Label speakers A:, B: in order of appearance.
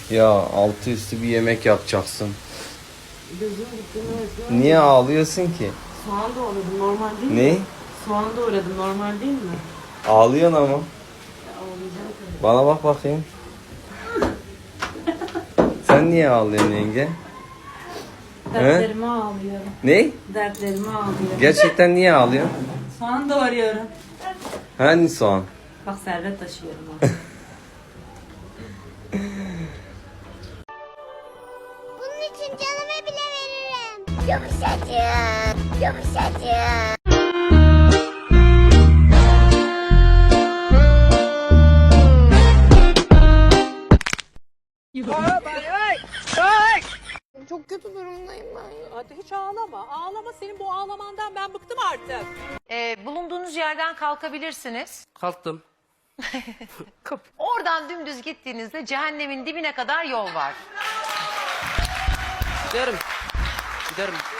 A: Ya altı üstü bir yemek yapacaksın.
B: Gözüm gitti resmen.
A: Niye ağlıyorsun ki?
B: Soğan doğradım, normal değil mi?
A: Ne?
B: Soğan doğradım, normal değil mi?
A: Ağlıyorsun ama.
B: Ya, ağlayacağım tabii.
A: Bana bak bakayım. Sen niye ağlıyorsun yenge?
B: Dertlerime ağlıyorum.
A: Ne?
B: Dertlerime ağlıyorum.
A: Gerçekten niye ağlıyorsun?
B: Soğan doğruyorum.
A: Hani soğan?
B: Bak servet taşıyorum ha.
C: Bunun için canımı bile veririm. Yumuşacık, yumuşacık. Çok kötü durumdayım ben.
D: Hadi hiç ağlama. Ağlama, senin bu ağlamandan ben bıktım artık.
E: Bulunduğunuz yerden kalkabilirsiniz.
F: Kalktım.
E: Oradan dümdüz gittiğinizde cehennemin dibine kadar yol var.
F: Giderim. Giderim.